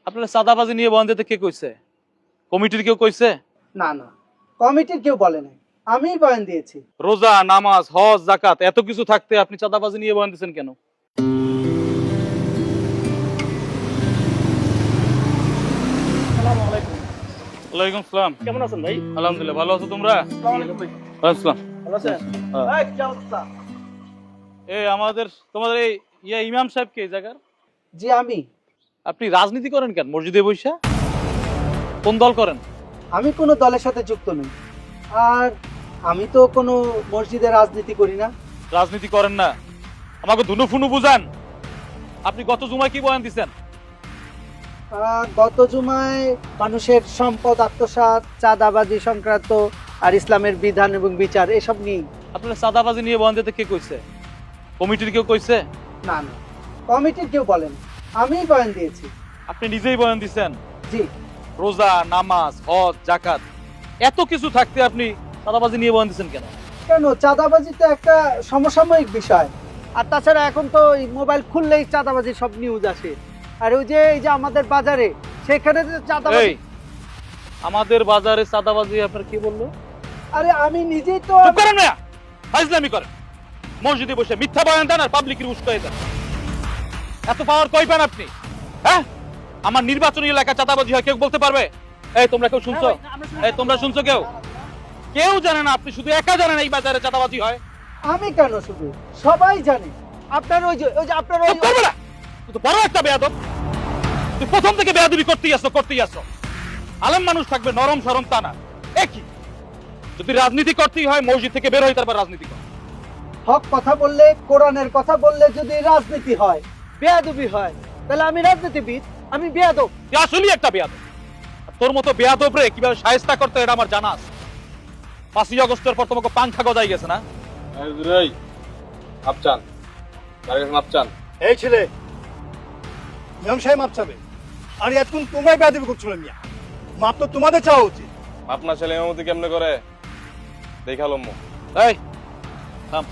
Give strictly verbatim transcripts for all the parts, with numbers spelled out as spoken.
আপনারা চাঁদাবাজি নিয়ে বয়ান দিতে কে কইছে? কমিটির কেউ কইছে? না না, কমিটির কেউ বলে নাই, আমিই বয়ান দিয়েছি। রোজা, নামাজ, হজ, যাকাত এত কিছু থাকতে আপনি চাঁদাবাজি নিয়ে বয়ান দিচ্ছেন কেন? ওয়ালাইকুম আসসালাম। কেমন আছেন ভাই? আলহামদুলিল্লাহ, ভালো আছো তোমরা? আসসালাম। ভালো আছেন? হ্যাঁ। এই, কি অবস্থা? এই আমাদের তোমাদের এই ইয়া ইমাম সাহেব কে এই জায়গার? জি আমি। আপনি রাজনীতি করেন কেন মসজিদে বইসা? কোন দল করেন? আমি কোনো দলের সাথে যুক্ত নই, আর আমি তো কোনো মসজিদে রাজনীতি করি না। রাজনীতি করেন না, আমাকে ধুনু ফুনু বুঝান। আপনি গত জুমায় কি বয়ান দিচ্ছেন? আহ, গত জুমায় মানুষের সম্পদ আত্মসাৎ, চাঁদাবাজি সংক্রান্ত আর ইসলামের বিধান এবং বিচার এসব নিয়ে। আপনারা চাঁদাবাজি নিয়ে বয়ান দিতে কে কইছে? কমিটির কেউ কইছে? না না, কমিটির কেউ বলেন, আমিই বয়ান দিয়েছি। আপনি নিজেই বয়ান দিচ্ছেন? জি। রোজা, নামাজ, হজ, যাকাত এত কিছু থাকতে আপনি চাঁদাবাজি নিয়ে বয়ান দিচ্ছেন কেন? কেন, চাঁদাবাজি তো একটা সমসাময়িক বিষয়। আর তাছাড়া এখন তো এই মোবাইল খুললেই চাঁদাবাজি সব নিউজ আসে। আর ওই যে এই যে আমাদের বাজারে, সেখানে যে চাঁদাবাজি। এই আমাদের বাজারে চাঁদাবাজি আপনার কি বললো? আরে আমি নিজেই তো। চুপ করেন না, ফাজলামি করেন। মসজিদে বসে মিথ্যা বয়ান দেন আর পাবলিকের উস্কাই দেন। এত পাওয়ার কই পান আপনি? হ্যাঁ, আমার নির্বাচনী এলাকা চাঁদাবাজি হয় কেউ বলতে পারবে? এই তোমরা কেউ শুনছো? এই তোমরা শুনছো কেউ? কেউ জানে না, আপনি শুধু একা জানেন এই বাজারে চাঁদাবাজি হয়। আমি কেন, শুধু সবাই জানে। আপনার ওই যে ওই যে আপনার ওই চুপ করবে না, তুই তো বড় একটা বেয়াদব। তুই প্রথম থেকে বেয়াদবি করতেই আসছো করতেই আসছো। আলেম মানুষ থাকবে নরম সরম তা না। একই যদি রাজনীতি করতেই হয় মসজিদ থেকে বের হই, তারপর রাজনীতি কর। হক কথা বললে, কোরআনের কথা বললে যদি রাজনীতি হয়, বেয়াদবি হয়, তাহলে আমি রাজনীতিবিদ, আমি বেয়াদব। তুই আসলেই একটা বেয়াদব। আর তোর মতো বেয়াদব রে কিভাবে শায়েস্তা করতে হয় এটা আমার জানা আছে। পাঁচই আগস্টের পর তোমাকে পাংখা গজাই গেছে না? মাপচান মাপচান এই ছেলে, ইমাম সাহেব মাপ চাবে। আর এতক্ষণ তোমরাই বেয়াদবি করছিল মিয়া। মাপ তো তোমাদের চাওয়া উচিত। আপনার ছেলে এমতি কেমনে করে দেখালো মো। এই থাম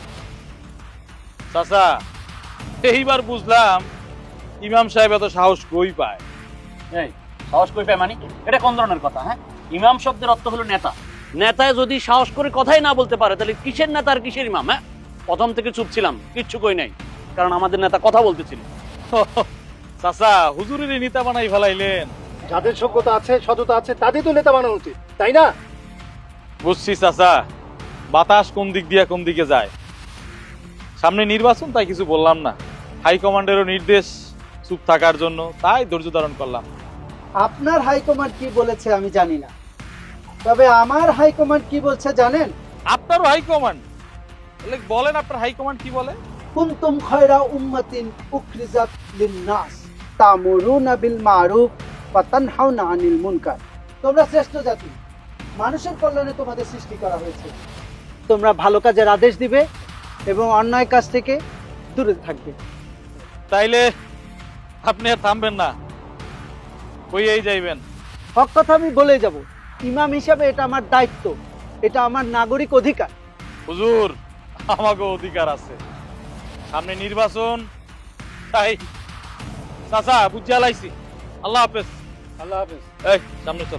চাচা, এইবার বুঝলাম ইমাম সাহেব এত সাহস কই পায়। এই সাহস কই পায় মানে? এটা কোন ধরনের কথা? হ্যাঁ, ইমাম শব্দের অর্থ হলো নেতা। নেতায় যদি সাহস করে কথাই না বলতে পারে তাহলে কিসের নেতা আর কিসের ইমাম? হ্যাঁ, প্রথম থেকে চুপ ছিলাম, কিচ্ছু কই নাই, কারণ আমাদের নেতা কথা বলতেছিল। চাচা, হুজুরের নেতা বানাই ফেলাইলেন। যাদের যোগ্যতা আছে, সততা আছে, তাদের তো নেতা বানানো উচিত, তাই না? বুঝছি চাচা, বাতাস কোন দিক দিয়ে কোন দিকে যায়। সামনে নির্বাচন, তাই কিছু বললাম না। হাইকমান্ডেরও নির্দেশ চুপ থাকার জন্য, তাই ধৈর্য ধারণ করলাম। আপনার হাইকমান্ড কি বলেছে আমি জানি না, তবে আমার হাইকমান্ড কি বলছে জানেন? আপনারও হাইকমান্ড? তাহলে বলেন আপনার হাইকমান্ড কি বলে? কুনতুম খায়রা উম্মাতিন উখরিজাত লিন-নাস তা'মুরুনা বিল মা'রুফ ওয়া তানহাউনা আনিল মুনকার। তোমরা শ্রেষ্ঠ জাতি, মানুষের কল্যাণে তোমাদের সৃষ্টি করা হয়েছে। তোমরা ভালো কাজের আদেশ দিবে এবং অন্যায় কাজ থেকে দূরে থাকবে। তাইলে আপনি আর থামবেন না, কইয়েই যাইবেন? হক কথা আমি বলে যাব। ইমাম হিসাবে এটা আমার দায়িত্ব, এটা আমার নাগরিক অধিকার। হুজুর, আমাকে অধিকার আছে, সামনে নির্বাচন, তাই চাচা বুঝিয়া লাইছি। আল্লাহ হাফেজ। আল্লাহ হাফেজ। এই সামনে চল,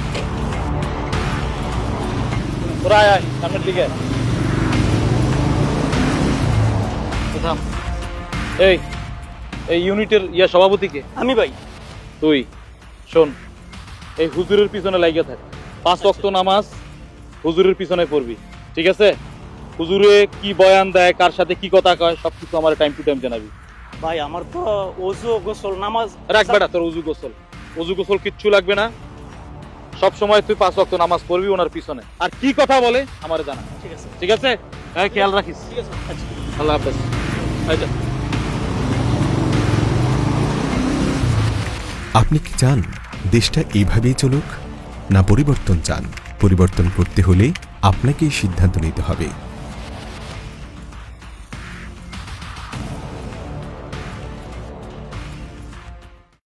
তোরা আয় আয় সামনের দিকে। থাম। এই এই ইউনিটের ইয়া সভাপতিকে? আমি ভাই। তুই শোন, এই হুজুরের পিছনে লাগিয়ে থাক। পাঁচ ওয়াক্ত নামাজ হুজুরের পিছনে পড়বি, ঠিক আছে? হুজুরে কি বয়ান দেয়, কার সাথে কি কথা কয়, সবকিছু আমার টাইম টু টাইম জানাবি। ভাই আমার তো ওযু গোসল নামাজ রাখ বেটা, তোর উজু গোসল উজু গোসল কিচ্ছু লাগবে না। সব সময় তুই পাঁচ ওয়াক্ত নামাজ পড়বি ওনার পিছনে। আর কি কথা বলে আমারে জানা, ঠিক আছে? ঠিক আছে? হ্যাঁ, খেয়াল রাখিস। ঠিক আছে, আচ্ছা। আল্লাহ হাফেজ। এই যা। আপনি কি চান দেশটা এইভাবেই চলুক, না পরিবর্তন চান? পরিবর্তন করতে হলে আপনাকেই সিদ্ধান্ত নিতে হবে।